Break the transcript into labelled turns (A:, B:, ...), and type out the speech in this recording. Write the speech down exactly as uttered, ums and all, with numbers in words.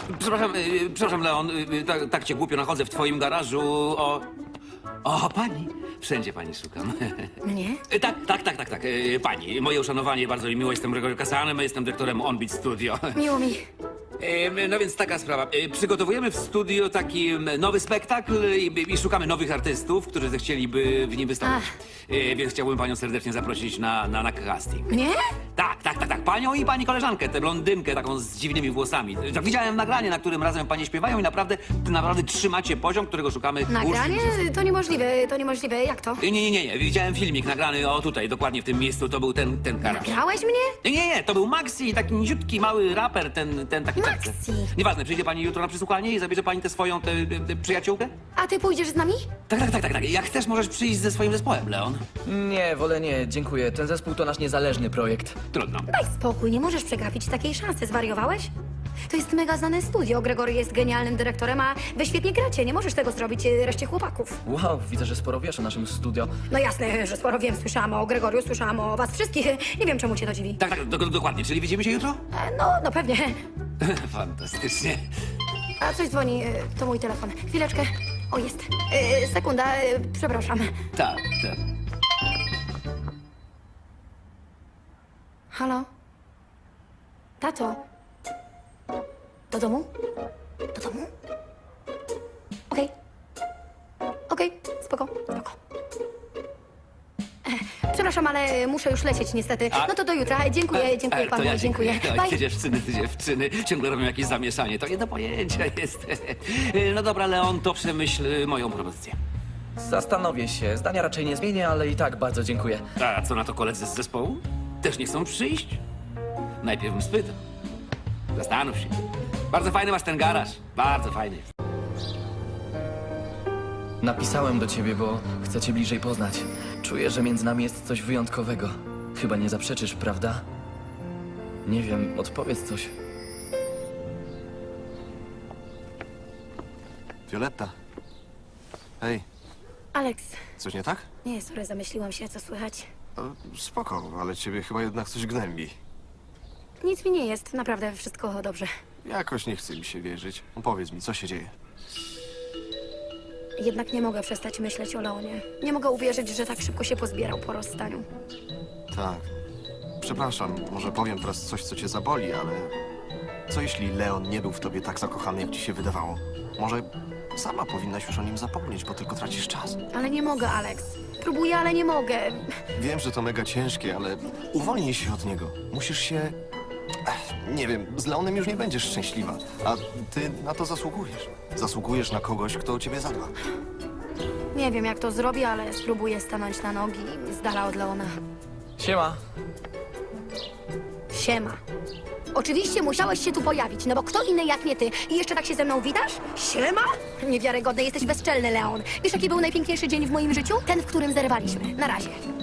A: Przepraszam, y, przepraszam, Leon, y, tak, tak cię głupio nachodzę w twoim garażu. O, o, pani. Wszędzie pani szukam.
B: Mnie?
A: Y, Tak, tak, tak, tak, tak. y, Pani, moje uszanowanie, bardzo mi miło. Jestem Gregory Kasanem, jestem dyrektorem Onbeat Studio.
B: Miło mi.
A: Y, No więc taka sprawa. Y, Przygotowujemy w studio taki mm, nowy spektakl i, i szukamy nowych artystów, którzy zechcieliby w nim wystąpić. Y, Więc chciałbym panią serdecznie zaprosić na, na, na casting.
B: Mnie?
A: Tak, tak, tak, tak. Panią i pani koleżankę, tę blondynkę taką z dziwnymi włosami. Tak, widziałem nagranie, na którym razem panie śpiewają i naprawdę, naprawdę trzymacie poziom, którego szukamy.
B: Nagranie? To niemożliwe, to niemożliwe. Jak to?
A: Nie, nie, nie, nie. Widziałem filmik nagrany, o tutaj, dokładnie w tym miejscu, to był ten, ten garaż.
B: Grałeś mnie?
A: Nie, nie, nie, to był Maxi, taki niziutki, mały raper, ten, ten taki...
B: Maxi.
A: Nieważne, przyjdzie pani jutro na przesłuchanie i zabierze pani tę swoją, tę, tę, tę przyjaciółkę?
B: A ty pójdziesz z nami?
A: Tak, tak, tak, tak, tak. Jak chcesz, możesz przyjść ze swoim zespołem, Leon.
C: Nie, wolę nie, dziękuję. Ten zespół to nasz niezależny projekt.
A: Trudno.
B: Daj spokój, nie możesz przegapić takiej szansy. Zwariowałeś? To jest mega znane studio. Gregory jest genialnym dyrektorem, a wy świetnie gracie. Nie możesz tego zrobić e, reszcie chłopaków.
C: Wow, widzę, że sporo wiesz o naszym studio.
B: No jasne, że sporo wiem. Słyszałam o Gregoriu, słyszałam o was wszystkich. Nie wiem, czemu cię to dziwi.
A: Tak, tak, do, dokładnie. Czyli widzimy się jutro?
B: E, no, no pewnie.
A: Fantastycznie.
B: A coś dzwoni. e, To mój telefon. Chwileczkę. O, jest. E, sekunda, e, przepraszam.
A: Tak, tak.
B: Halo? Tato? Do domu? Do domu? Okej. Okej, spoko, spoko. E, Przepraszam, ale muszę już lecieć niestety.
A: A-
B: No to do jutra. Dziękuję, dziękuję
A: E, to
B: panu,
A: ja
B: dziękuję.
A: dziękuję.
B: Bye.
A: Te dziewczyny, te dziewczyny ciągle robią jakieś zamieszanie. To nie do pojęcia jest. No dobra, Leon, to przemyśl y, moją propozycję.
C: Zastanowię się, zdania raczej nie zmienię, ale i tak bardzo dziękuję.
A: A co na to koledzy z zespołu? Też nie chcą przyjść? Najpierw bym spytał. Zastanów się. Bardzo fajny masz ten garaż. Bardzo fajny.
C: Napisałem do ciebie, bo chcę cię bliżej poznać. Czuję, że między nami jest coś wyjątkowego. Chyba nie zaprzeczysz, prawda? Nie wiem, odpowiedz coś.
D: Violetta. Hej,
B: Alex,
D: coś nie tak?
B: nie, sorry, zamyśliłam się, co słychać.
D: E, Spoko, ale ciebie chyba jednak coś gnębi.
B: Nic mi nie jest, naprawdę wszystko dobrze.
D: Jakoś nie chce mi się wierzyć. Powiedz mi, co się dzieje?
B: Jednak nie mogę przestać myśleć o Leonie. Nie mogę uwierzyć, że tak szybko się pozbierał po rozstaniu.
D: Tak. Przepraszam, może powiem teraz coś, co cię zaboli, ale... Co jeśli Leon nie był w tobie tak zakochany, jak ci się wydawało? Może sama powinnaś już o nim zapomnieć, bo tylko tracisz czas.
B: Ale nie mogę, Alex. Próbuję, ale nie mogę.
D: Wiem, że to mega ciężkie, ale uwolnij się od niego. Musisz się... Ech, nie wiem, z Leonem już nie będziesz szczęśliwa, a ty na to zasługujesz. Zasługujesz na kogoś, kto o ciebie zadba.
B: Nie wiem, jak to zrobię, ale spróbuję stanąć na nogi z dala od Leona.
C: Siema.
B: Siema. Oczywiście musiałeś się tu pojawić, no bo kto inny jak nie ty? I jeszcze tak się ze mną witasz? Siema? Niewiarygodne, jesteś bezczelny, Leon. Wiesz, jaki był najpiękniejszy dzień w moim życiu? Ten, w którym zerwaliśmy. Na razie.